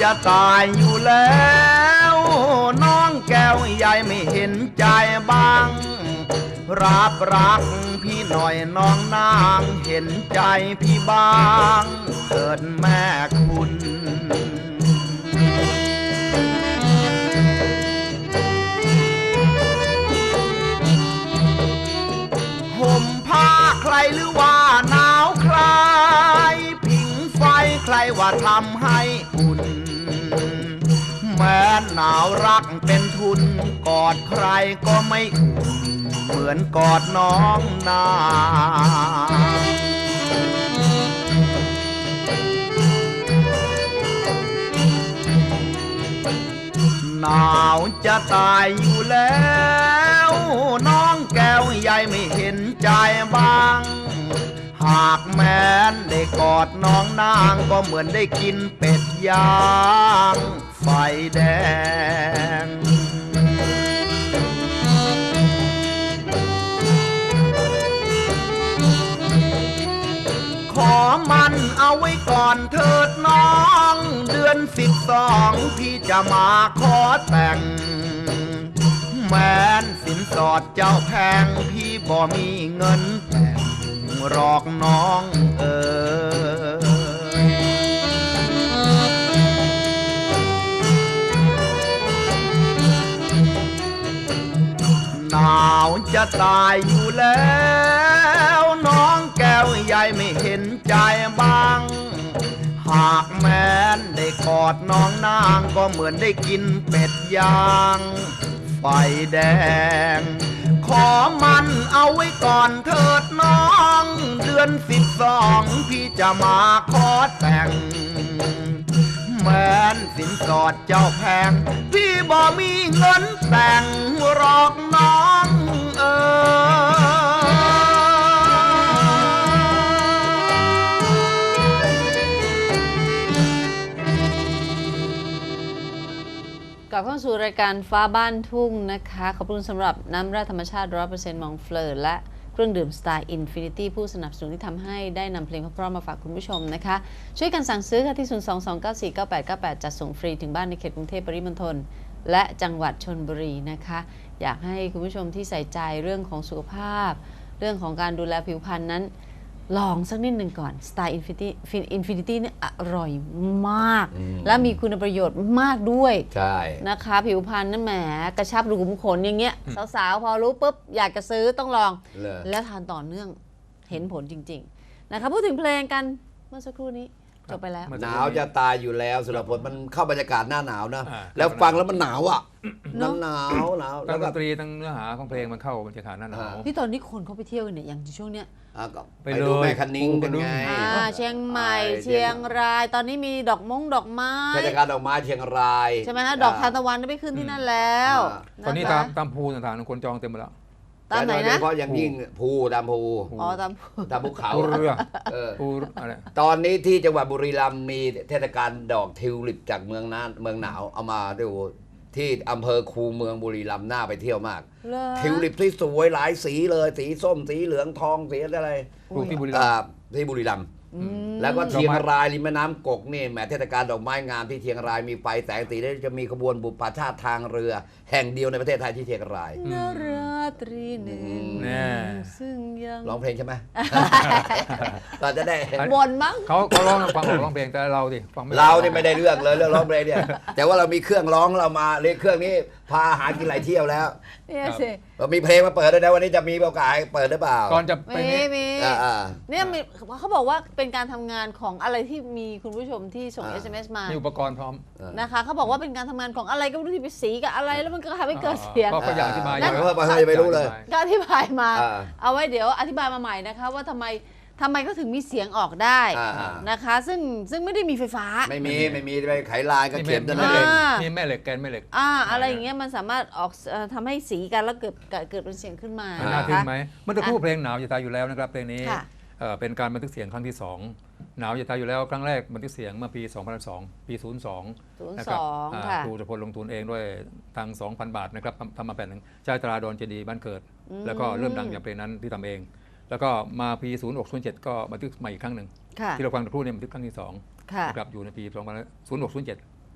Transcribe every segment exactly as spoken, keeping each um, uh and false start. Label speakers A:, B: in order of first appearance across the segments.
A: จะตายอยู่แล้วน้องแก้วใหญ่ไม่เห็นใจบ้างรับรักพี่หน่อยน้องนางเห็นใจพี่บ้างเถิดแม่คุณห่มผ้าใครหรือว่าหนาวใครผิงไฟใครว่าทำให้อุ่นแม้หนาวรักเป็นทุนกอดใครก็ไม่อุ่นเหมือนกอดน้องนางหนาวจะตายอยู่แล้วน้องแก้วใหญ่ไม่เห็นใจบ้างหากแม้นได้กอดน้องนางก็เหมือนได้กินเป็ดย่างไฟแดงขอมันเอาไว้ก่อนเถิดน้องเดือนสิบสองพี่จะมาขอแต่งแม้นสินสอดเจ้าแพงพี่บ่มีเงินแต่งหลอกน้องเออหนาวจะตายอยู่แล้วน้องแก้วใหญ่ไม่เห็นใจบ้างหากแม้นได้กอดน้องนางก็เหมือนได้กินเป็ดย่างไฟแดงขอมันเอาไว้ก่อนเถิดน้องเดือนสิบสองพี่จะมาขอแต่งแม้นสินสอดเจ้าแพงพี่บ่มีเงินแต่งหลอกน้องเอ
B: อกลับเข้าสู่รายการฟ้าบ้านทุ่งนะคะขอบคุณสำหรับน้ำแร่ธรรมชาติ ร้อยเปอร์เซ็นต์ มองเฟลอร์และเครื่องดื่มสไตล์อินฟินิตี้ผู้สนับสนุนที่ทำให้ได้นำเพลงเพราะๆมาฝากคุณผู้ชมนะคะช่วยกันสั่งซื้อค่ะที่ ศูนย์ สอง สอง เก้า สี่ เก้า แปด เก้า แปด จัดส่งฟรีถึงบ้านในเขตกรุงเทพปริมณฑลและจังหวัดชลบุรีนะคะอยากให้คุณผู้ชมที่ใส่ใจเรื่องของสุขภาพเรื่องของการดูแลผิวพรรณนั้นลองสักนิดหนึ่งก่อนสไตล์อินฟินิตี้อินฟินิตี้นี่อร่อยมากและมีคุณประโยชน์มากด้วยใช่นะคะผิวพรรณนั่นแหมกระชับรูขุมขนอย่างเงี้ยสาวๆพอรู้ปุ๊บอยากจะซื้อต้องลองแล้วทานต่อเนื่องเห็นผลจริงๆนะคะพูดถึงเพลงกันเมื่อสักครู่นี้จบไปแล้ว
C: หนาวจะตายอยู่แล้วสุรพลมันเข้าบรรยากาศหน้าหนาวนะแล้วฟังแล้วมันหนาวอ่ะน้ำหนาวหนาว
D: แล้วดนตรีทั้งเนื้อหาของเพลงมันเข้าบรรยากาศหน้าหนาว
B: ที่ตอนนี้คนเขาไปเที่ยวเนี่ยอย่างช่วงเนี้ย
C: ไปดูแม่คันนิ้งกันไง
B: เชียงใหม่เชียงรายตอนนี้มีดอกมงดอกไม้
C: เทศกาลดอกไม้เชียงราย
B: ใช่ไหมฮะดอกทานตะวันไปขึ้นที่นั่นแล้ว
D: ตอนนี้ตามตามภูต่างๆคนจองเต็มหมดแล้ว
B: ตามไหนนะ
C: เพราะอย่างยิ่งภูตามภู
B: อ๋อตาม
C: ตามภูเขา
D: เรือภูอะไร
C: ตอนนี้ที่จังหวัดบุรีรัมย์มีเทศกาลดอกทิวลิปจากเมืองน่านเมืองหนาวเอามาดูที่อำเภอคูเมืองบุรีรัมย์น่าไปเที่ยวมากทิวลิปที่สวยหลายสีเลยสีส้มสีเหลืองทองสีอะไร
D: ที่บุรีรัมย์
C: ที่บุรีรัมย์แล้วก็เชียงรายริมแม่น้ำกกนี่แหมเทศกาลดอกไม้งามที่เชียงรายมีไฟแสงสีแล้วจะมีขบวนบุปผาชาติทางเรือแห่งเดียวในประเทศไทยที่เชียงราย
B: นราตรีหนึ่งซึ่งยัง
C: ร้องเพลงใช่ไหมก็จะได้
B: บ่นมั้ง
D: เขาเขาร้องฟังออกร้องเพลงแต่เราดิฟังไม่
C: เรานี่ไม่ได้เรื่องเลยเรื่องร้องเพลงเนี่ยแต่ว่าเรามีเครื่องร้องเรามาเรียกเครื่องนี้พาหากินหลายเที่ยวแล้ว
B: เนี่ยสิ
C: เรามีเพลงมาเปิดด้วยนะวันนี้จะมีโอกาสเปิดหรือเปล่า
D: ก่อนจะ
B: ไปมีมีเนี่ยเขาบอกว่าเป็นการทำงานของอะไรที่มีคุณผู้ชมที่ส่ง เอส เอ็ม เอส มา
D: มีอุปกรณ์พร้อม
B: นะคะเขาบอกว่าเป็นการทำงานของอะไรก็ไม่รู้ที่ไปสีกับอะไรแล้วมันก็ทำให้เกิดเสียง
D: ก็อยากอธิบาย
C: นั่นเพิ่มมาให้ไม่รู้เลย
B: ก็อธิบายมาเอาไว้เดี๋ยวอธิบายมาใหม่นะคะว่าทำไมทำไมก็ถึงมีเสียงออกได้นะคะซึ่งซึ่งไม่ได้มีไฟฟ้า
C: ไม่มีไม่มีไปไขลายกับเข็มนั่นเอง
D: มีแม่เหล็กแกนแม่เหล็ก
B: อ่าอะไรอย่างเงี้ยมันสามารถออกทำให้สีกันแล้วเกิดเกิดเป็นเสียงขึ้นมา
D: น่าทึ่งไหมเมื่อตะพูดเพลงหนาวจะตายอยู่แล้วนะครับเพลงนี้เป็นการบันทึกเสียงครั้งที่สองหนาวจะตายอยู่แล้วครั้งแรกบันทึกเสียงเมื่อปีสองพันสองปีศูนย์สอง
B: นะครับ
D: ครูจะพลลงทุนเองด้วยทาง สองพัน บาทนะครับทำมาแผ่นหนึ่งใช้ตราดอนเจดีบ้านเกิดแล้วก็เริ่มดังจากเพลงนั้นที่ทำเองแล้วก็มาปีศูนย์หกศูนย์เจ็ดก็บันทึกใหม่อีกครั้งหนึ่งที่เราฟังตะพูดเนี่ยบันทึกครั้งที่สองนะครับอยู่ในปีสองพันศูนย์หกศูนย์เจ็ด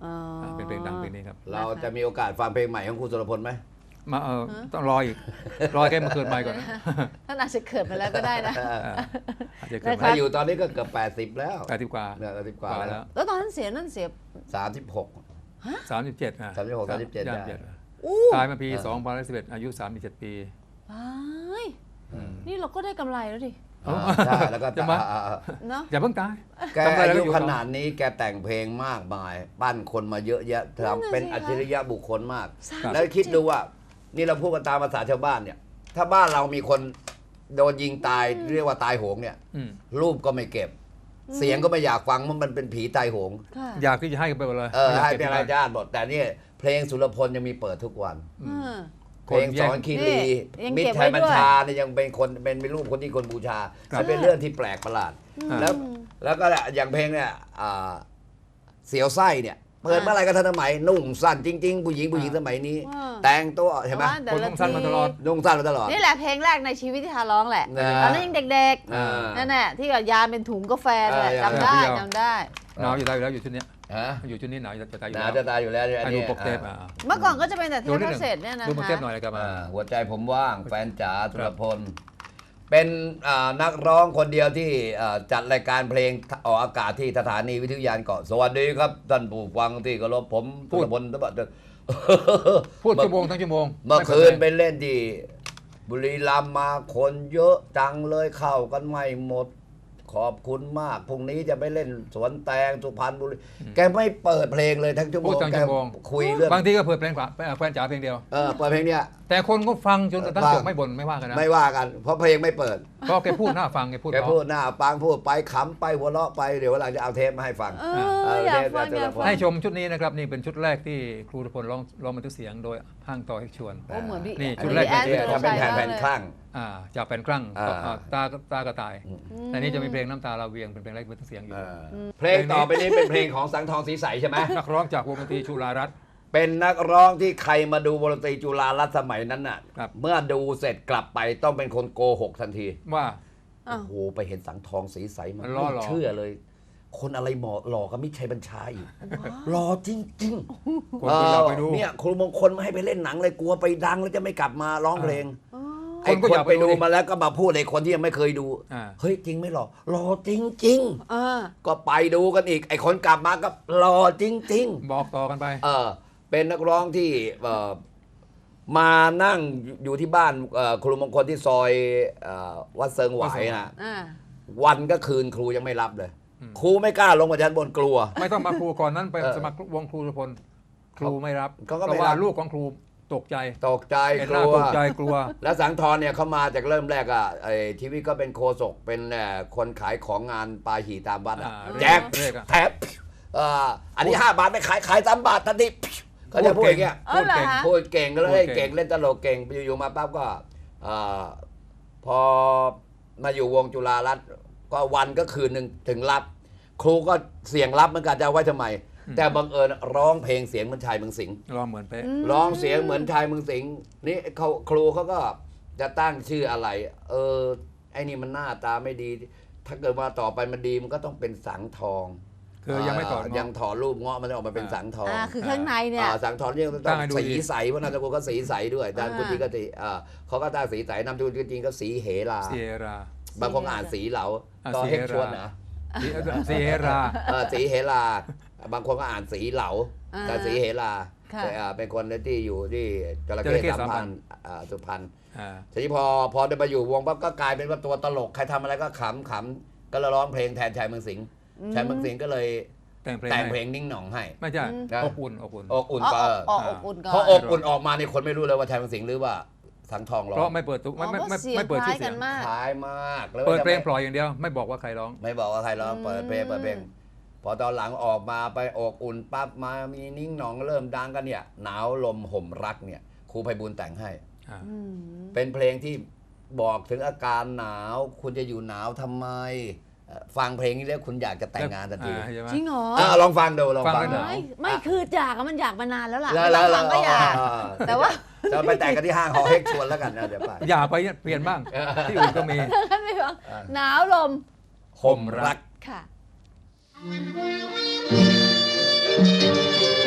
B: อ๋อ
D: อ่าเป็นเพลงดังเพลงนี้ครับ
C: เราจะมีโอกาสฟังเพลงใหม่ของครูสุรพลไหม
D: มาเออต้องรออีกรอแกมาเกิดใหม่ก่อนนะ
B: ท่านอาจจะเกิดมาแล้วก็ได้นะ
D: อาจจะเกิด
B: นะ
D: ให
B: ค
D: ม่
C: ถ้าอยู่ตอนนี้ก็เกือบแปดสิบแล้ว
D: แปดสิบกว่า
C: เนี่ยแปดสิบกว่า
D: แล้
C: แล้ว
D: ว
B: แล้วตอนนั้นเสียนั่นเสีย
C: สามสิบหก
D: สามสิบเจ็ดอ่ะ
C: สามสิบหก สามสิบเจ็ด
D: ย่าง
C: ได้
D: เจ็ด
B: อู้
D: ตายมาปีสองพันสิบเอ็ดอายุสามสิบเจ็ดปี
B: ตายนี่เราก็ได้กำไรแล้วดิ
C: อ่าใช่แล้วก็
D: จะมา
C: อ่าอ่า
B: เนาะ
D: อย่าเพิ่งตาย
C: แก
D: ทำอะไร
C: อา
D: แล้ว
C: ยุ
D: อยู่
C: ข
D: ต่อ
C: นาดนี้แกแต่งเพลงมากมาย ปั้นคนมาเยอะแยะ
B: นั่นน่ะ
C: ทำเป็น
B: สิคะ
C: อัจฉริยะบุคคลมาก
B: ครับ
C: แล้วคิดดูว่า นี่เราพูดกันตามภาษาชาวบ้านเนี่ย ถ้าบ้านเรามีคนโดนยิงตายเรียกว่าตายโหงเนี่ย
D: อืม
C: รูปก็ไม่เก็บ เสียงก็ไม่อยากฟังเพราะมันเป็นผีตายโหง
B: ค่ะ
D: อยากที่จะให้กันไปหมดเลย
C: เออ
D: ไม่ยาก
C: ให้
D: ก็บ
C: เป็น
D: ที่
C: ราย
D: บ้น
C: ญาติหมดแต่นี่เพลงสุรพลยังมีเปิดทุกวัน
B: อ่า
C: เพลงสอนคีรี
B: นี่ยัง
C: มิต
B: เก็
C: ร
B: บ
C: ไท
B: ไว้
C: ยบัญ
B: ด้วย
C: ชาเนี่ยยังเป็นคนเป็นเป็นรูปคนที่คนบูชา
D: ครับ
C: มันเป็นเรื่องที่แปลกประหลาด
D: อ่า
C: แล้วแล้วก็อย่างเพลงเนี่ยอ่าเสียวไส้เนี่ยเปิดเมื่อไหรก็ทันสมัยนุ่งสั้นจริง ๆ ผู้หญิงผู้หญิงสมัยนี้
B: อ่า
C: แต่งตัวเห็นไหม
B: ว่าแต่
D: คน
B: ละ
D: ต้องสั้นมาตลอด
C: นุ่งสั้นมาตลอด
B: นี่แหละเพลงแรกในชีวิตที่ทาร้องแหละ
C: นะ
B: ตอนนั้นยังเด็ก
C: อ่า
B: ๆนั่นแหละที่กับยาเป็นถุงกาแฟนั่นแหละ
C: เออ
B: จำได้
D: เออ
B: จำได้
D: หนาวอยู่ตายอยู่แล้วอยู่ชุดเนี้ย
C: ฮะ
D: อยู่ชุดนี้หนาวจะตายอยู่
C: หนา
D: แล้ว
C: จะตายอยู่แล้วเนี่ยอัน
D: ให้ดู
C: นี้
D: ปกเทป
C: อ่า
D: อ่ะ
B: เมื่อก่อนก็จะเป็นแต่เท
D: ดู
B: ป
D: นิด
B: คา
D: หนึ่ง
B: สเซ็ตเนี่ยนะ
D: ดูปก
B: คะ
D: เทปหน่อยเลยครับ
C: อ่า
D: อ่า
C: หัวใจผมว่างแฟนจ๋าสุรพล เป็นอ่านักร้องคนเดียวที่อ่าจัดรายการเพลงออกอากาศที่สถานีวิทยุยานเกาะสวัสดีครับท่านผู้ฟังที่เคารพผม
D: พู
C: สุ
D: ด
C: รพลตบะ
D: พูดชั่วโมงทั้งชั่วโมง
C: เมื่อคืนไป
D: ไม่
C: เล่นที่บุรีรัมย์มาคนเยอะจังเลยเข้ากันไม่หมด ขอบคุณมากพรุ่งนี้จะไปเล่นสวนแตงสุพรรณบุรีแกไม่เปิดเพลงเลยทั้งชั่วโม
D: พู
C: ง
D: ดทั้ง
C: แก
D: ชั่วโมง
C: คุยเรื่อง
D: บางทีก็เปิดเพลงขวาแฟนจ๋าเพลงเดียว
C: เออเปิดเพลงเนี้ย
D: แต่คนก็ฟังจนกระทั่ง
C: ฟัง
D: จบไม่บ่นไม่ว่ากันนะ
C: ไม่ว่ากัน เพราะเพลงไม่เปิด
D: เพราะแกพูดหน้าฟังแกพูด
C: แก
D: เพราะ
C: พูดหน้าปังพูดไปขำไปหัวเราะไปเดี๋ยววันหลังจะเอาเทปมาให้ฟัง
B: เอออยากฟังอยากฟัง
D: ให้ชมชุดนี้นะครับนี่เป็นชุดแรกที่ครูทุพลร้องร้องบันทึกเสียงโดยห้างต่อให้ชวน
B: โอ้เหมือนพี่
D: นี่
B: อั
D: ชุด
B: น
D: แรก
B: นี้แอน
C: เนี่ย
B: สุร
C: ทำเป็น
B: ชัย
C: แผ่น
B: มาก
C: แผ่น
B: เลย
C: คลั่ง
D: อ่าจากเป็นครั่ง
C: อ่า
D: ต่ออ่าตาตากระต่ายแต่นี่จะมีเพลงน้ำตาลาเวียงเป็นเพลงแรกบันทึกเสียงอยู่
C: เออเพลงต่อไปนี้เป็นเพลงของสังทองศรีใสใช่ไหม
D: นักร้องจากวงดนตรีชุฬารัตน์
C: เป็นนักร้องที่ใครมาดูวงดนตรีจุฬารัตน์สมัยนั้นน่ะ
D: ครับ
C: เมื่อดูเสร็จกลับไปต้องเป็นคนโกหกทันที
D: ว่า
B: อ้า
C: โอ้
B: ว
C: โหไปเห็นสังทองศรีใสมัน
D: มันล่อหลอก
C: ไม่เชื่อเลย คนอะไรหมอหล่อกับมิตรชัยบัญชาอีกหล่อจริงๆ
D: คนก็อยากไปดู
C: เนี่ยครูมงคลไม่ให้ไปเล่นหนังเลยกลัวไปดังแล้วจะไม่กลับมาร้องเพลง
B: อ๋อ
C: ไอ้
D: คนก็
C: ค
D: อน ยาก
C: ไป
D: ไปดู
C: ดู
D: ดิ
C: มาแล้วก็มาพูดในคนที่ยังไม่เคยดู
D: อ่า
C: เฮ้ยจริงไหม่หรอหล่อจริง
B: อ่า
C: ๆ ก็ไปดูกันอีก ไอ้คนกลับมาก็หล่อจริง
D: บอกต่อกันไป
C: ๆ เออเป็นนักร้องที่เอ่อมานั่งอยู่ที่บ้านเอ่อครูมงคลที่ซอยเอ่อวัดเซิงหวายนะ
B: อ่า
C: วันก็คืนครูยังไม่รับเลย ครูไม่กล้าลงมาชั้นบนกลัว
D: ไม่ต้องมาครูก่อนนั้นไป
C: เออ
D: สมัครวงครูทุพลครูไม่รับ
C: เขาก็
D: เพ
C: ไม่
D: ราะว่า
C: รับ
D: ลูกของครูตกใจ
C: ตกใจ
D: เห็น
C: ก
D: หน้า
C: ลัว
D: ตกใจกลัว
C: แล้วสังทรเนี่ยเขามาจากเริ่มแรกอ่ะไอ้ทีวีก็เป็นโคศกเป็นเอ่อคนขายของงานปลาหี่ตามวัดอะ
D: อ่า
C: แจก
D: เลขอะ
C: แถบเอ่ออันนี้ห้าบาทไม่ขายขายสามบาททันทีเขาจะพูดอย่างเงี้ย
B: เออเหรอฮะ
C: พูดเก่งก็เลย
D: พูดเก่ง
C: เก่งเล่นตลกเก่งอยู่ๆมาปั๊บก็เอ่อพอมาอยู่วงจุฬารัตน์ก็วันก็คืนหนึ่งถึงรับ ครูก็เสียงรับเหมือนกันจะเอาไว้ทำไม แต่บังเอิญร้องเพลงเสียงเหมือนชายเมืองสิงห์
D: ร้องเหมือนเป๊ะ
C: ร้องเสียงเหมือนชายเมืองสิงห์นี่เขาครูเขาก็จะตั้งชื่ออะไร เออไอ้นี่มันหน้าตาไม่ดี ถ้าเกิดว่าต่อไปมันดีมันก็ต้องเป็นสังทอง
D: คือยังไม่ถอด
C: ายังถอดรูปเงาะมันจะออกมาเป็นสังทอง
B: อ่าคือข้างในเนี่ย
C: อ่าสังทองเนี่ยต้อง
D: ตั้งให้ดู
C: สี
D: ดี
C: ใสเพราะนามสกุลก็สีใสด้วยอาจารย์
B: อ่า
C: กุฏิก็สีอ่าเขาก็ตั้งสีใสนามสกุลจริงๆก็สีเหรา
D: เซียรา
C: บางคนอ่านสีเหลา
D: อ่า
C: ก็
D: สี
C: เฮก
D: เหรา
C: ชวนนะ
D: เซียรา
C: เออสีเหราบางคนก็อ่านสีเหลา
B: อ่า
C: แต่สีเหรา
B: ค่ะ
C: แต่อ่าเป็นคนที่อยู่ที่จระ
D: จระเข้
C: เข้สาม
D: สามพั
C: พัน
D: น
C: อ่าสุพรรณ
D: อ่า
C: ทีนี้พอพอได้มาอยู่วงปั๊บก็กลายเป็นว่าตัวตลกใครทำอะไรก็ขำขำก็เลยร้องเพลงแทนชายเมืองสิงห์ชายเมืองสิงห์ก็เลย
D: แต่งเพลง
C: แต่ง
D: ให้
C: เพลงนิ่งหน่องให้
D: ไม่ใช่
C: นะ
D: อบอุ่นอบอุ่น
C: อกอุ่น
B: อ๋อ
C: ก็
B: อ๋ออบอุ่นก่อน
C: พออกอุ่นออกมาในคนไม่รู้เลยว่าชายเมืองสิงห์หรือว่าสังทองร้อ
D: เพราะ
C: ง
D: ไม่เปิดตุกไม่ไม่
B: อ๋อ
D: ไม่
B: เพราะเสียง
D: ไม่เปิด
B: ค
D: ชื่
B: ล้า
D: อย เสี
B: กั
D: ยง
B: นมาก
C: คล้ายมากแล้ว
D: เปิด
C: จะ
D: เพลง
C: ไม่
D: ปล่อยอย่างเดียว ไม่บอกว่าใครร้อง
C: ไม่บอกว่าใครร้องเปิดเพลงเปิดเพลงพอตอนหลังออกมาไปอกอุ่นปั๊บมามีนิ่งหนองเริ่มดังกันเนี่ยหนาวลมห่มรักเนี่ยครูไพบูลย์แต่งให้
D: อ่า
B: อืม
C: เป็นเพลงที่บอกถึงอาการหนาว คุณจะอยู่หนาวทำไมเอ่อฟังเพลงนี้แล้วคุณอยากจะแต่งงานทันที
D: อ่าใช่ไหม
B: จริงเหรอ
C: อ่ะลองฟังดูลอง
D: ฟั
C: ฟัง
D: งแล้วห
C: ดู
D: นาว
B: ไม่ไม่คืออยากอะมันอยากมานานแล้วล่ะ
C: แล้ว
B: ไม่
C: แล้
B: ต้อ
C: ว
B: งฟังก็อยาก แต่ว่า
C: จะไปแต่งกันที่ห้างหอเฮกชวนแล้วกันนะเดี๋ยวไป
D: อย่าไปเปลี่ยนบ้าง ที่อื่นก็มี
B: ท่านไม่ฟังหนาวลม
C: ห่มรัก
B: ค่ะ
E: Thank you.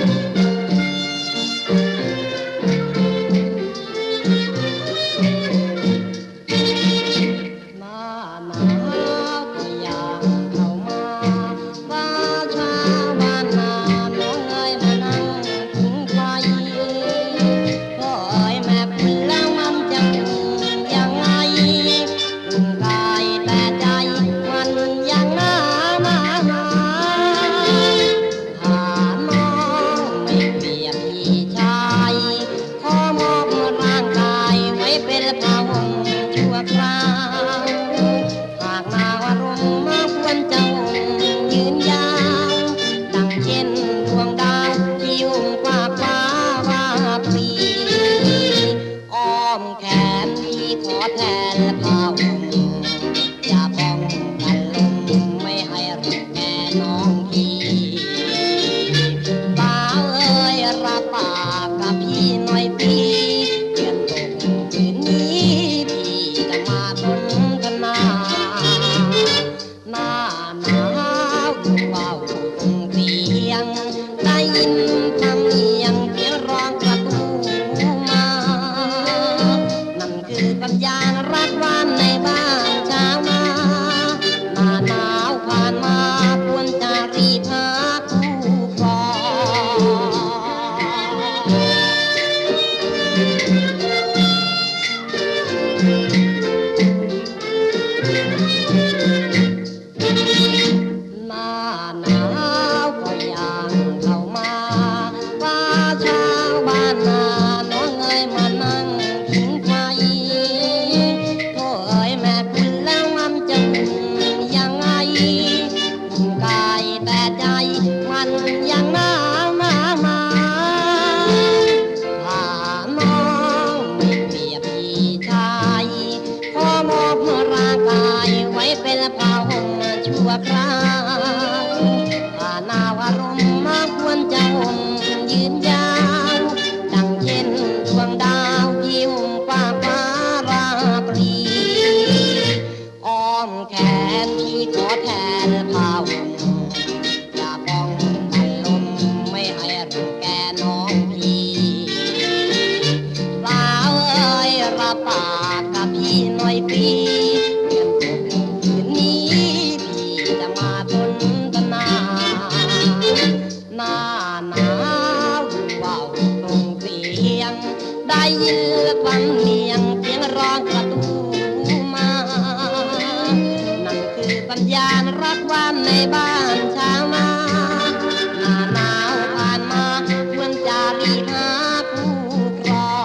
E: เป็นผ้าห่มชั่วคราวผ้านาวอารมณ์มาควรจะห่มยืนยาวดังเช่นดวงดาวที่ห่มฟ้าฟ้าราตรีอ้อมแขนที่ขอแทนผ้าห่มอย่าป้องกันลมไม่ให้รังแกน้องพี่สาวเอ้ยรับปากกับพี่หน่อยพี่เดือนหกคืนนี้พี่จะมาทนตนาหน้าหนาวว่าวตรงเสียงได้ยินฟังเนียงเสียงร้องประตูมานั่นคือสัญญาณรักวันในบ้านชาวนาหน้าหนาวผ่านมาควรจะรีบหาผู้ครอง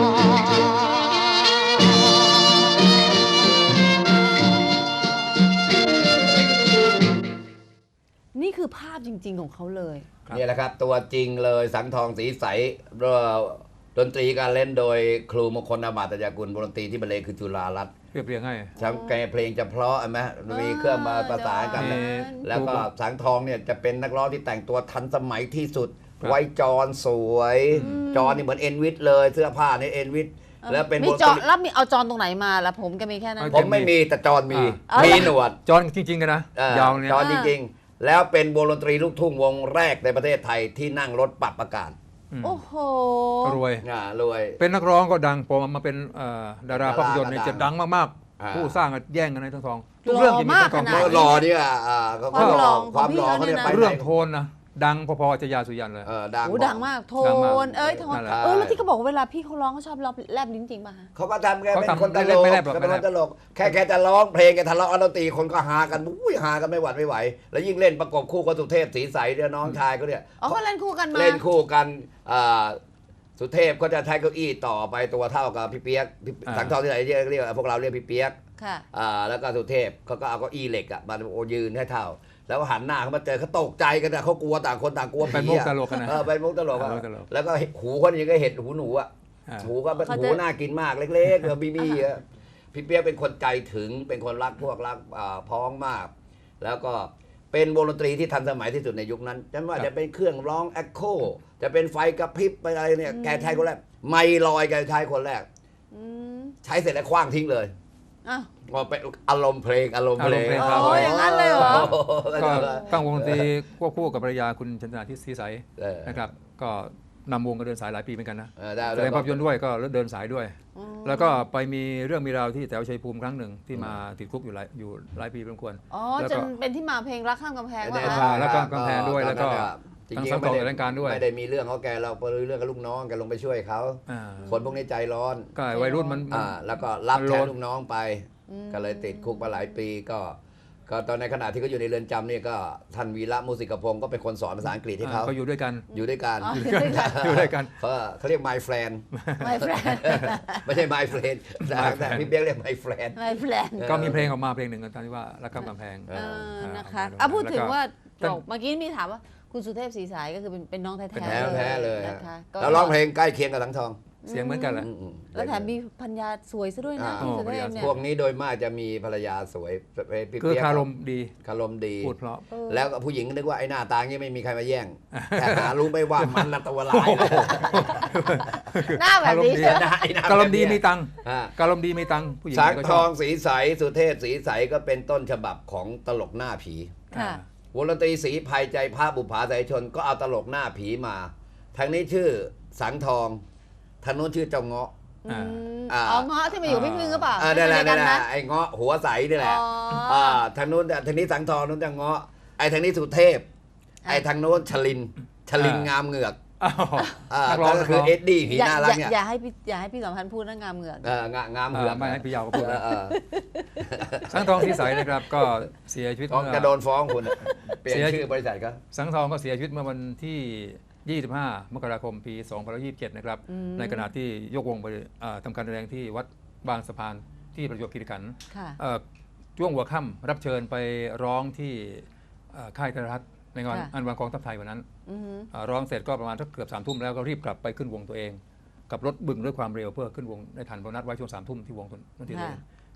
B: นี่คือภาพจริง ๆ ของเขาเลย
C: นี่แหละครับตัวจริงเลยสังทองสีใสเอ่อดนตรีการเล่นโดยครูมงคลอามาตยากุลวงดนตรีที่บรรเลงคือจุฬารัตน์
D: เรียบเรียงให้
C: ทั้งแกเพลงจะเพราะไหมมีเครื่องมาประสานกัน
D: มี
C: แล้วก็สังทองเนี่ยจะเป็นนักร้องที่แต่งตัวทันสมัยที่สุด
D: ครับ
C: ไว้จอนสวย จอนนี่เหมือนเอ็นวิทเลยเสื้อผ้านี่เอ็นวิทแล้วเป็น
B: มี
C: วงด
B: จอน
C: ตรี
B: แล้วมีเอาจอนตรงไหนมาแล้วผมก็มีแค่นั้น
C: ผมไม่มีแต่จอนมี
B: อ่ามี
C: มีหนวด
D: จอนจริง ๆ กันนะ
C: เออย
D: าวเนี่ย
C: จอนจริงๆ แล้วเป็นวงดนตรีลูกทุ่งวงแรกในประเทศไทยที่นั่งรถปรับอากาศ
D: อืม
B: โอ้โห
D: รวย
C: อ่ารวย
D: เป็นนักร้องก็ดังพอมาเป็นเอ่อดาราภาพยนตร์เนี่ย
C: ดารา
D: จะดังมาก
C: อ่า
D: ๆ ผู้สร้างก็แย่งกันในทั้งทอง
B: หล่อ
D: ทุกเรื่องจะมี
B: มาก
D: ทั้งทอง
B: ขนาด
C: ก็
B: นี้
C: รอเนี่ยอ่าเขาก็
B: ความหล่อ
C: ความ
B: ของพี่
C: หล่อเขาเนี่ย
B: เขาเนี่ยนะ
C: ไป
D: เรื่อง
C: ไหน
D: โทนนะดังพอๆจะยาสุยันเลย
C: เออดัง
B: โอ้ดังมากโท
D: ดังมาก
B: นเอ้ยโทน
D: นั่นแหละ
B: เออแล้วที่เขาบอกว่าเวลาพี่เขาร้องเขาชอบแลบแลบลิ้นจริงป่ะฮะ
C: เขาก็ทำแก
D: เขา
C: เป็น
D: ทำ
C: คนตล
D: ไม่
C: ก
D: ไม่แลบหรอก
C: เขาเป็น
D: ไม่
C: ค
D: แลบ
C: นตลกแค่แกจะร้องเพลงแกทะเลาะกันดนตรีคนก็หากันอุ้ยหากันไม่หวัดไม่ไหว แล้วยิ่งเล่นประกบคู่กับสุเทพศรีใสเนี่ยน้องชายเขาเนี่ย
B: อ๋อเขาเล่นคู่กันมา
C: เล่นคู่กันอ่าสุเทพก็จะใช้เก้าอี้ต่อไปตัวเท่ากับพี่เปียกพี่
D: อ่า
C: สังทองที่ไหนเรียกเรียกพวกเราเรียกพี่เปียก
B: ค่ะ
C: อ่าแล้วก็สุเทพเขาก็เอาเก้าอี้เหล็กอ่ะมาโอยืนให้เท่า แล้วหันหน้าเขามาเจอเขาตกใจกันนะเขากลัวต่างคนต่างกลัว
D: เป็น
C: ผี
D: มุก
C: อะ
D: ตลกกันนะ
C: เออเป็นมุกตลกอะ
D: เป็นมุกตลก
C: แล้วก็หูคนนี้ก็เห็ดหูหนูอ่ะ
D: อ่า
C: หูก็เป็น
B: เขาจะ
C: หูน่ากินมากเล็กๆเออบีบีอะพี่เปียกเป็นคนใจถึงเป็นคนรักพวกรักอ่าพ้องมาก แล้วก็เป็นวงดนตรีที่ทันสมัยที่สุดในยุคนั้นไม่ว่า
D: ครับ
C: จะเป็นเครื่องร้องแอคโคจะเป็นไฟกระพริบไปอะไรเนี่ยแกใช้คนแรกไม่ลอยแกใช้คนแรก
B: อืม
C: ใช้เสร็จแล้วคว้างทิ้งเลย
B: อ้าว
C: ว่าเป็นอารมณ์เพลงอารมณ์เพลง
D: อารมณ์เพลง
B: ครับโอ้ยอย่างนั้นเลยเหรอ
C: โโ
D: ก็ตั้งวงดนตรีควบคู่กับภรรยาคุณชนนาทิศศรีใส
C: เออ
D: นะครับก็นำวงก็เดินสายหลายปีเหมือนกันนะ
C: เออได้
D: แสดงภาพยนตร์ด้วยก็เดินสายด้วย
B: อ๋อ
D: แล้วก็ไปมีเรื่องมีราวที่แถวชัยภูมิครั้งหนึ่งที่มาติดคุกอยู่หลายอยู่หลายปีพอสมควร
B: อ๋อ
D: แล้ว
B: จ
D: ก็
B: นเป็นที่มาเพลงรักข้ามกำแพง
C: ได้
B: ว่า
C: ใช่
D: แล้วก็กำแพงด้วยแล้วก็
C: จริ
D: ทั้ง
C: ง
D: สั
C: ๆ
D: ง
C: ไม่
D: ต่อ
C: ได้
D: รายการด้วย
C: ไม่ได้มีเรื่องเขาแกเราไปเรื่องกับลูกน้องแกลงไปช่วยเขา
D: อ่า
C: คนพวกนี้ใจร้อน
D: ก็วัยรุ่นมันมัน
C: อ่าแล้วก็รับ
D: มัน
C: แท
D: โล
C: น
D: ด
C: ลูกน้องไป ก็เลยติดคุกมาหลายปีก็ ก็ตอนในขณะที่เขาอยู่ในเรือนจำเนี่ยก็ท่านวีระมุสิกพงศ์ก็เป็นคนสอนภาษาอังกฤษให้เขา
D: เขาอยู่ด้วยกัน
C: อยู่ด้วยกัน
B: อ๋ออยู่ด้วยกัน
D: อยู่ด้วยกัน
C: เขาเขาเรียก my friend
B: My friend
C: ไม่ใช่ my friend แต่
D: My
C: แต่
D: friend
C: พี่เบี้ยกเรียก my friend
B: My friend
D: ก็มีเพลงออกมาเพลงหนึ่งตอนที่ว่ารักข้ามกำแพง
B: เออนะคะ
D: อ่า
B: อ่ะพูดถึงว่า
D: แล้วก็
B: บอกเมื่อกี้มีถามว่าคุณสุเทพศรีสายก็คือเป็นเป็นน้องแท้
D: เป็น
B: ๆ
C: แท้แท้เลย
B: นะคะก็
C: แล้วร้องเพลงใกล้เคียงกับทั้งทอง
D: เสียงเหมือนกันแหละ
C: อืมๆ
B: แล้วแถมมีพัญญาสวยซะด้วยนะ
C: อ่า
B: คุณสุเทพเนี่ย
C: พวกนี้โดยมากจะมีภรรยาสวยพี่
D: คือ
C: เปี๊ยก
D: คารมดี
C: คารมดี
D: พูดเพราะ
B: เออ
C: แล้วก็ผู้หญิงก็นึกว่าไอ้หน้าตางี้ไม่มีใครมาแย่ง แต่หารู้ไหม่ว่ามันละตัวลายเลย
B: หน้าแบบนี้
D: อารมณ์ดี
B: ใช่ไหม
C: หน้าไอ้หน้
D: คารมดี
C: แบบ
D: มี
C: เนี้ย
D: ตังค์
C: อ่า
D: การมดีมีตังค์ผู้หญิง
C: สัง
D: ก็
C: ท
D: ช
C: อ
D: อบ
C: งสีใสสุเทพสีใสก็เป็นต้นฉบับของตลกหน้าผี
B: ค่ะ
C: วงดนตรีสีภัยใจพระบุภาสายชนก็เอาตลกหน้าผีมา ทางนี้ชื่อสังทองทางนู้นชื่อเจ้าเงาะ
B: อืม
C: อ่า
B: อ๋อเงาะที่มาอยู่พี่พึ่งหรือเปล่า
C: อ่านั่นแหละ
B: ไม่
C: นั่น
B: ใช่
C: แห
B: กั
C: ละ
B: นะ
C: ไอ้เงาะหัวใสนี่แหละ
B: อ๋ออ่
C: ่าทางนู้นทางนี้สังทองนู้นจะเงาะไอ้ทางนี้สุเทพ
B: อ่ะ
C: ไอ้ทางโน้นชลินชลินงามเหงือก
D: อ้าว
C: อ่า
D: นักร้อง
C: ก็
D: นัก
C: คื
D: ร้
C: อ
D: อง
C: เอ็ดดี้ผี
B: อย่า
C: น่า
B: อ
C: รัก
B: ย่า
C: เนี่ย
B: อย่าให้พี่อย่าให้พี่สัมพันธ์พูดเรื่องงามเหงือก
C: เอองางาม
D: เอ
C: เหงื
D: อ
C: อก
D: ไม่ให้พี่ยาวก็พูด
C: เอ
D: นะ
C: อเออ
D: สังทองสีใสนะครับ ก็เสียชีวิต
C: ฟ้อง
D: เมื่อ
C: จะโดนฟ้องคุณอะเปลี่ยน
D: เสีย
C: ชื่อบริษัทก็
D: สังทองก็เสียชีวิตเมื่อวันที่ ยี่สิบห้า มกราคม ปี สองพันยี่สิบเจ็ด นะครับ
B: อืม
D: ในขณะที่ยกวงไปเอ่อทำการแสดงที่วัดบางสะพานที่ประจวบคีรีขันธ์
B: ค่ะ
D: เอ่อช่วงหัวค่ำรับเชิญไปร้องที่เอ่อค่ายโทรทัศน์ในงาน
B: ค่ะ
D: อันวันกองทัพไทยวันนั้น
B: อือหือ
D: เอ่อร้องเสร็จก็ประมาณสักเกือบสามทุ่มแล้วก็รีบกลับไปขึ้นวงตัวเอง กับรถบึงด้วยความเร็วเพื่อขึ้นวงได้ทันเพราะนัดไว้ช่วงสามทุ่มที่วงตัวนั่นที่ตัวเอง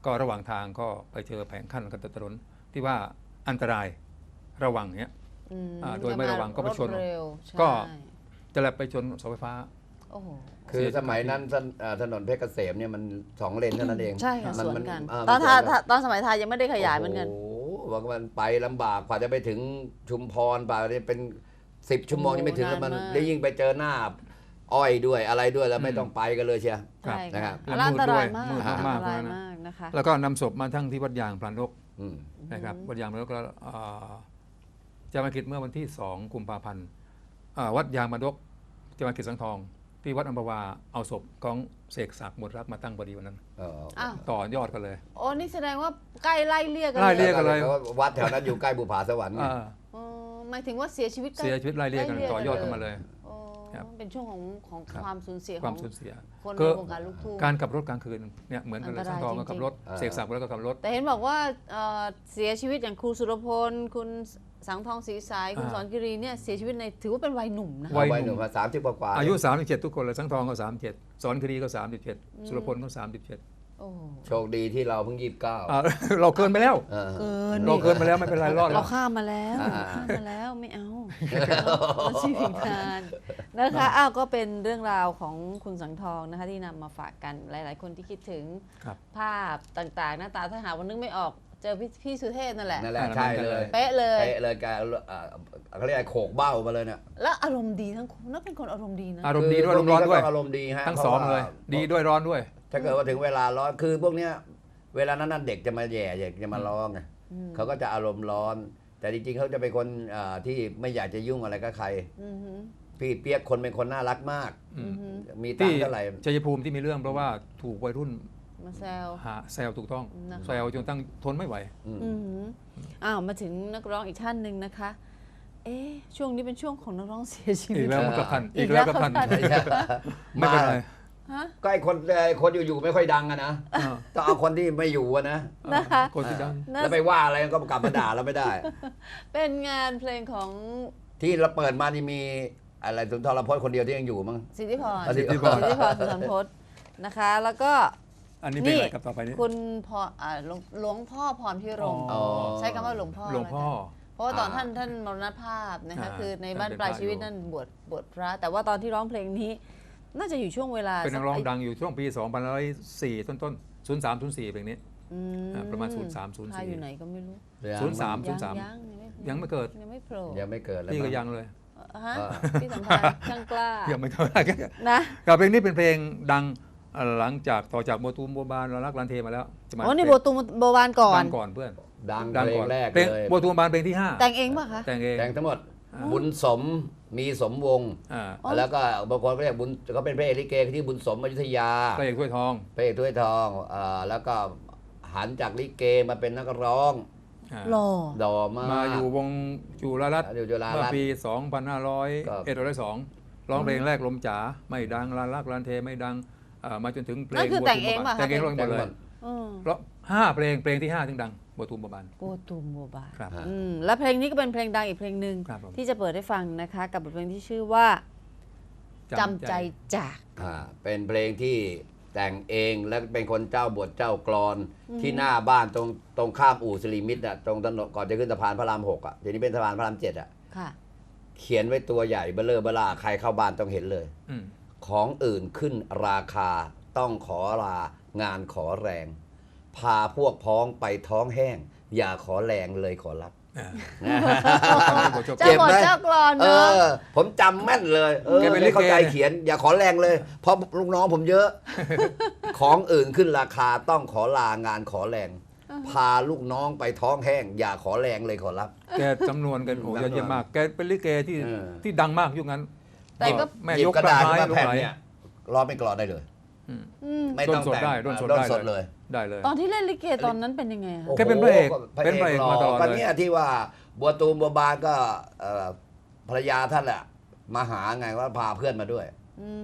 D: ก็ระหว่างทางก็ไปเจอแผงขั้นกันถนนที่ว่าอันตรายระวังเนี้ย
B: อืม
D: อ่าโดยไม่ระวังก็ไปชน
B: รถเร็วใช่
D: ก็ จะแลบไปชนเสาไฟฟ้า
B: โอ้โห
C: คือสมัยนั้นถนนอ่าถนนเพชรเกษมเนี่ยมันสองเลนเท่านั้นเอง
B: ใช่ค่ะ
C: มั
B: สวน
C: มั
B: กัน
C: า
B: ตอน
C: มั
B: ทา
C: สวกั
B: ตอนสมัยไทยยังไม่ได้ขยายเหมือนกัน
C: โอ้โหบอกว่ามันไปลำบากกว่าจะไปถึงชุมพรป่าเนี่ยเป็นสิบชั่วโมง
B: โอ้โห
C: ยังไม่ถึงแล้วมัน
B: นานมาก
C: ได้ยิ่งไปเจอหน้า อ้อยด้วยอะไรด้วยแล้วไม่
D: อืม
C: ต้องไปกันเลยเชียว
B: ใช่
C: นะครั
B: ค่ะ
C: บ
B: แล้วอันตรายมาก
D: มืดด้วยมืดมากๆ
B: อันตราย
D: นะ
B: มากนะคะ
D: แล้วก็นำศพมาทั้งที่วัดยางพลานนก
C: อืม
D: นะครับวัดยางพลานนกก็เอ่อจะมาคิดเมื่อวันที่สองกุมภาพันธ์อ่าวัดยางพลานนกจะมาคิดสังทอง ที่วัดอัมพวาเอาศพของเสกศักดิ์หมดรักมาตั้งพอดีวันนั้น
C: เออ
B: อ้าว
D: ต่อยอดกันเลย
B: โอ้นี่แสดงว่าใกล้ไล่เลี่ยกัน
D: ไล่
B: เล
D: เลี่
B: ย
D: ย กันเลย
C: พราะวัดแถวนั้นอยู่ใกล้บุผาสวรรค์ไง
D: อ่า
B: อ๋อหมายถึงว่าเสียชีวิตใกล้
D: เสียชีวิตไล่เลี่ยกัน
B: ไล่เลี่ยกัน
D: ต่อยอดกันมาเลย
B: โอ้
D: ครับ
B: เป็นช่วงของของ
D: ครับ
B: ความสูญเสีย
D: ค
B: ข
D: วา
B: อ
D: ม
B: ง
D: สูญเสีย
B: คนใน
D: ก็
B: วงการลูกทุ่ง
D: การขับรถกลางคืนเนี่ยเหมือนกันเลย
B: อันต
D: สั
B: ราย
D: งทองก็
B: จริงๆ
D: ขับรถ
C: อ่า
D: เสกศักดิ์แล้วก็ขับรถ
B: แต่เห็นบอกว่าเอ่อเสียชีวิตอย่างครูสุรพล คุณสังทองศรีสาย คุณ
D: อ่า
B: สอนกิรีเนี่ยเสียชีวิตในถือว่าเป็นวัยหนุ่มนะ
D: วัย
C: วัยหนุ่มมาสามสิบกว่าๆ
D: อายุสามสิบเจ็ดทุกคนเลยสังทองก็สามสิบเจ็ดสอนคดีก็สามสิบเจ็ดสุรพลก็สามสิบเจ็ด
B: โอ้โห
C: โชคดีที่เราเพิ่งยี่สิบเก้า
D: อ่า เราเกินไปแล้ว
C: เออ
B: เกิน
D: เราเกินไปแล้วไม่เป็นไรรอดแล้
B: เรา
D: ว
B: ข้ามมาแล้ว
C: อ่า
B: ข้ามมาแล้วไม่เอาเราชีวิตงานนะคะอ้าวก็เป็นเรื่องราวของคุณสังทองนะคะที่นำมาฝากกันหลาย ๆ คนที่คิดถึง
D: ครับ
B: ภาพต่าง ๆ หน้าตาถ้าหาวันนึกไม่ออกเจอพี่พี่สุเทพนั่นแหละ
C: นั่นแหละ
D: อ่า
C: ใช่เลย
B: เป๊ะเลย
C: เป๊ะเลยแกเอ่อเขาเรียกอะไรโขกเบ้ามาเลยเนี่ย
B: แล้วอารมณ์ดีทั้งคู่น่าเป็นคนอารมณ์ดีนะ
D: อารมณ์ดีด้วยอารมณ์ร้อนด้วย
C: ก็ต้งอารมณ์ดีฮะ
D: ทั้งสองเลย ดีด้วยร้อนด้วย
C: ถ้าเกิดว่าถึงเวลาร้อนคือพวกเนี้ยเวลานั้นนะเด็กจะมาแย่เด็กจะมาร้องไง
B: อืม
C: เขาก็จะอารมณ์ร้อน แต่จริงๆเขาจะเป็นคนอ่าที่ไม่อยากจะยุ่งอะไรกับใคร
B: อือหือ
C: พี่เปียกคนเป็นคนน่ารักมาก
D: อื
B: อื
D: ม
B: อหือ
C: มีตัง
D: ที่
C: ค์เท่าไหร่
D: ชัยภูมิที่มีเรื่องเพราะว่าถูกวัยรุ่น
B: มาแซว
D: หาแซวถูกต้อง
B: นะคะ
D: แซวจนตั้งทนไม่ไหว
C: อืม
B: อือหืออ้าวมาถึงนักร้องอีกท่านหนึ่งนะคะ เอ๊ะช่วงนี้เป็นช่วงของนักร้องเสียชีวิ
D: อี
B: ต
D: กแล้วมันกับพัน
B: อี
D: อี
B: ก
D: ก
B: แล้
D: แล้ว วกับพัน
B: กับพัน
D: ไม่เป็นไร
B: ฮะ
C: ก็ไอ้คนไอ้คนอยู่ๆไม่ค่อยดังอะนะ
D: อ่า
C: ต้องเอาคนที่ไม่อยู่อะนะ
B: นะคะ
D: คนที่ดัง
B: น่า
C: แล้วไปว่าอะไรก็กลับมาด่าเราไม่ได้
B: เป็นงานเพลงของ
C: ที่เราเปิดมานี่มีอะไรสุนทรพจน์คนเดียวที่ยังอยู่มั้ง
B: สิทธิพร
C: สิทธิพร
B: สิทธิพรสุนทรพจน์นะคะ แล้วก็
D: อันนี้เป็นอะไรกับต่อไปนี้
B: คุณพออ่าหลวงหลวงพ่อพรพิรมย์
C: อ๋อ
B: ใช้คำว่าหลวงพ่อ
D: หลวงพ่อ
B: แล้วกันเพราะว่าตอน
C: อ่า
B: ท่านท่านมรณภาพนะคะ
D: อ่า
B: คือในบ้าน
D: ท่านเป็น
B: ปลาย
D: พระ
B: ชีวิต
D: อยู่
B: นั่นบวชบวชพระ แต่ว่าตอนที่ร้องเพลงนี้ น่าจะอยู่ช่วงเวลา
D: เป็นนักร้อง
B: สั
D: ดังอยู่ช่วงปีสองพันสี่ต้นต้นศูนย์สามศูนย์สี่เพลงนี้
B: อืม
D: อ่าประมาณศูนย์สามศูนย์สี่
B: พาอยู่ไหนก็ไม่รู้
D: ศูนย์สาม
B: ยัง
D: ศูนย์สาม
B: ยัง
D: ยังไม่เกิด
B: ยังไม่โผล่
C: ยังไม่เกิดเลย
D: พี่ก็
C: มั้
D: ยังเลย
B: ฮะ
C: อ่า
B: พี่สัมพันธ์ช่างกล้า
D: ยังไม่เท่าไหร่
B: นะ
D: กับเพลงนี้เป็นเพลงดังอ่าหลังจากต่อจากโมตูมโบบานเรารักลันเทมาแล้วจะมา
B: โอ้นี่โบตูมโบวานก่อน
D: ดังก่อนเพื่อน
C: ดัง
D: ดัง
C: เพล
D: ก่
C: ง
D: อน
C: แรก
D: เพลง
C: เลย
D: โมตูมโบบานเพลงที่ห้า
B: แต่งเองป่ะคะ
D: แต่งเอง
C: แต่งทั้งหมด
D: อ่า
C: บุญสมมีสมวงศ์
D: อ่า
B: อ๋อ
C: แล้วก็บางคนก็เรียกบุญเขาเป็นพระเอกลิเกที่บุญสมอยุธยา
D: พระเอกถ้วยทอง
C: พระเอกถ้วยทองอ่าแล้วก็หันจากลิเกมาเป็นนักร้อง
D: อ่า
B: หล่อ
C: ดอมาก
D: มาอยู่วงจุฬารัตน์
C: อยู่จุฬา
D: เมื่อ
C: รัตน์
D: ปี สองพันห้าร้อย
C: ก็
D: เอ็ดร้อยสองร้องเพลงแรกลมจ๋าไม่ดังลาลักลานเทไม่ดังอ่ามาจนถึงเพล
B: นั่
D: ง
B: นคือแต่งเองป่ะคะ
D: แต่งเองร้องหม
C: แต่
D: ด
C: ง
D: เล
C: หม
D: ย
C: ด
B: อืม
D: เพราะห้าเพลงเพลงที่ห้าถึงดังโบตูมโบบาน
B: โบตูมโบบาน
D: ครับ
B: อืมและเพลงนี้ก็เป็นเพลงดังอีกเพลงหนึ่ง
D: ครับผม
B: ที่จะเปิดให้ฟังนะคะ กับบทเพลงที่ชื่อว่าจำใจจาก
C: อ่าเป็นเพลงที่แต่งเองและเป็นคนเจ้าบทเจ้ากรอน ที่หน้าบ้านตรงตรงข้ามอู่สิริมิตรอ่ะตรงถนนก่อนจะขึ้นสะพานพระรามหกอ่ะทีนี้เป็นสะพานพระรามเจ็ดอ่ะ
B: ค่ะ
C: เขียนไว้ตัวใหญ่เบลเลอร์เบลาใครเข้าบ้านต้องเห็นเลย
D: อืม
C: ของอื่นขึ้นราคาต้องขอลางานขอแรง พาพวกพ้องไปท้องแห้ง อย่าขอแรงเลยขอรับ
D: อ่า
B: เจ้าบทเจ้ากลอน
C: เอ
B: เนอะ
C: อ ผมจำแม่นเลยเออ
D: แกเป็นลิเก
C: เข้าใจเขียน อย่าขอแรงเลย เพราะลูกน้องผมเยอะ ของอื่นขึ้นราคาต้องขอลางานขอแรง พาลูกน้องไปท้องแห้ง อย่าขอแรงเลยขอรับ
D: แกจำนวนกันโอ้
C: จำนวน
D: ยอดเยี่ยมมาก แกเป็นลิเกที่
C: เออ
D: ที่ดังมากยุคนั้น
B: แต่ก็
D: แม่
C: หยิบ
D: ยก
C: กระ
D: กระ
C: ดาษ
D: ไม้
C: ขึ้นมา
D: ลูก
C: แผ่น
D: ไหล
C: เนี่ยร้องเป็นกรอนได้เลย
B: อืม
C: ไม่
D: ด้
C: ต้
D: น
C: อง
D: สด
C: แต่ง
D: ได้ด้นสด
C: ด้น
D: ได้
C: สด
D: เล
C: เลย ย
D: ได้เลย
B: ตอนที่เล่นลิเกตอนนั้นเป็นยังไงอะ
D: แกเป็นพระเอก
C: โโห
D: เป็นพระเอกมาตลอด
C: ก็
D: เลย
C: เนี่ยที่ว่าบัวตูมบัวบานก็เอ่อภรรยาท่านแหละมาหาไงว่าพาเพื่อนมาด้วย
B: อืม
C: แก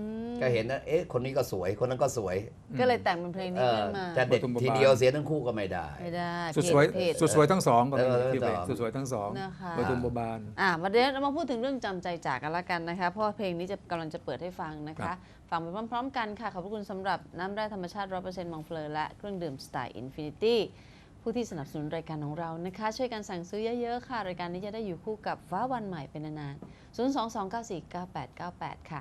C: ก็เห็นนะเอ๊ะคนนี้ก็สวยคนนั้นก็สวย
B: ก็เลยแต่งเป็นเพลง
C: เอ
B: นี้
C: อ
B: ขึ้นมา
C: จะเด็ดทีเดียวเสียทั้งคู่ก็ไม่ได้
B: ไม่ได้
D: สุดสวย
B: เพจ
D: สุดสวยทั้งสองก็มี
C: เออ
D: ที่เพลง
C: ทั้งสอง
D: สุดสวยทั้งสอง
B: นะคะ
D: ประทุมบัวบาน
B: อ่ะมาเดี๋ยวเรามาพูดถึงเรื่องจำใจจากกันละกันนะคะเพราะว่าเพลงนี้จะกำลังจะเปิดให้ฟังนะ
D: ครั
B: คะ
D: บ
B: ฟังไปพร้อมๆกันค่ะขอบพระคุณสำหรับน้ำแร่ธรรมชาติ ร้อยเปอร์เซ็นต์ มองเฟลอและเครื่องดื่มสไตล์อินฟินิตี้ผู้ที่สนับสนุนรายการของเรานะคะช่วยกันสั่งซื้อเยอะๆค่ะรายการนี้จะได้อยู่คู่กับฟ้าวันใหม่เป็นนานๆศูนย์ สอง สอง เก้า สี่ เก้า แปด เก้า แปด ค่ะ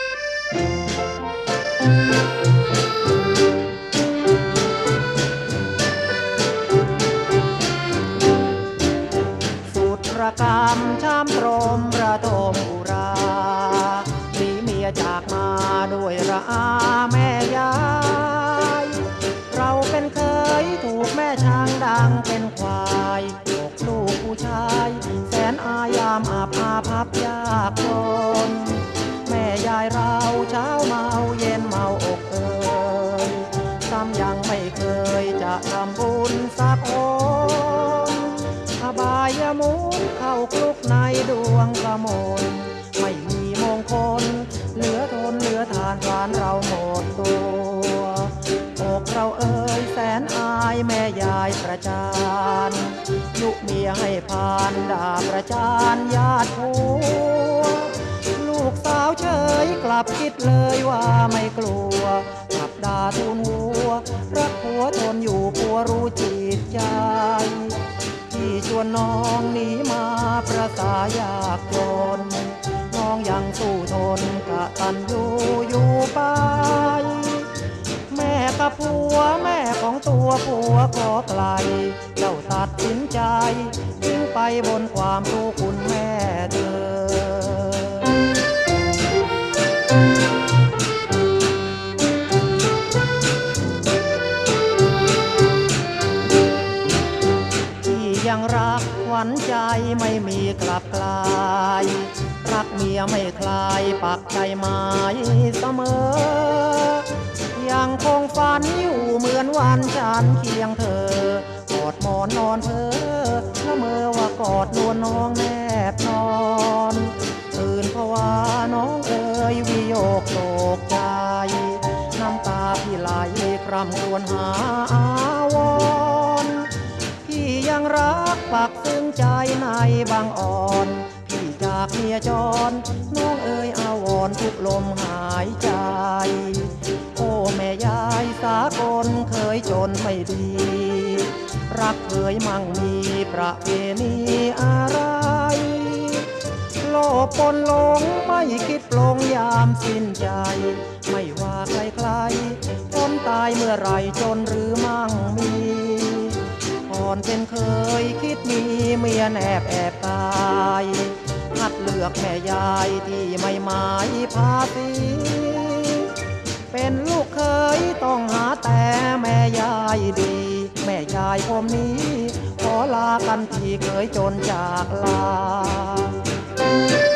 F: สุดระกำช้ำตรมระทมอุราหนีเมียจากมาด้วยระอาแม่ยายเราเป็นเคยถูกแม่ช้างดังเป็นควายตกลูกผู้ชายแสนอายามอาบอาพับยากจนแม่ยายเราเช้าเมาเย็นเมาอกเอ่ยซ้ำยังไม่เคยจะทำบุญสักองอบายมุขเข้าคลุกในดวงกระมนไม่มีมงคลเหลือทนเหลือทานทานเราหมดตัวอกเราเอ่ยแสนอายแม่ยายประจานยุเมียให้ผ่านด่าประจานญาติผัวลูกสาวเฉยกลับคิดเลยว่าไม่กลัวขับด่าทูลหัวรักผัวทนอยู่ผัวรู้จิตใจที่ชวนน้องหนีมาประสายากจนน้องยังสู้ทนกะตันอยู่อยู่ไปแม่กับผัวแม่ของตัวผัวขอไกลเจ้าตัดสินใจทิ้งไปบนความทุกข์คุณแม่เธอยังรักหวันใจไม่มีกลับกลายรักเมียไม่คลายปักใจหมายเสมอยังคงฝันอยู่เหมือนวันฉันเคียงเธอกอดหมอนนอนเพ้อละเมอว่ากอดนวลน้องแนบนอนตื่นเพราะว่าน้องเอ๋ยวิโยกโศกใจน้ำตาพี่ไหลคร่ำครวญหาอาวรพี่ยังรักปักซึ้งใจในบางอ่อนพี่จากเมียจรน้องเอ๋ยอาวรทุกลมหายใจโอ้แม่ยายสากลเคยจนไม่ดีรักเคยมั่งมีประเพณีอะไรโลภปนหลงไม่คิดปลงยามสิ้นใจไม่ว่าใครๆคนตายเมื่อไรจนหรือมั่งมีก่อนเป็นเคยคิดมีเมียแนบแอบตายหัดเลือกแม่ยายที่ไม่หมายภาษีเป็นลูกเคยต้องหาแต่แม่ยายดีแม่ยายผมนี้ขอลากันที่เคยจนจากลา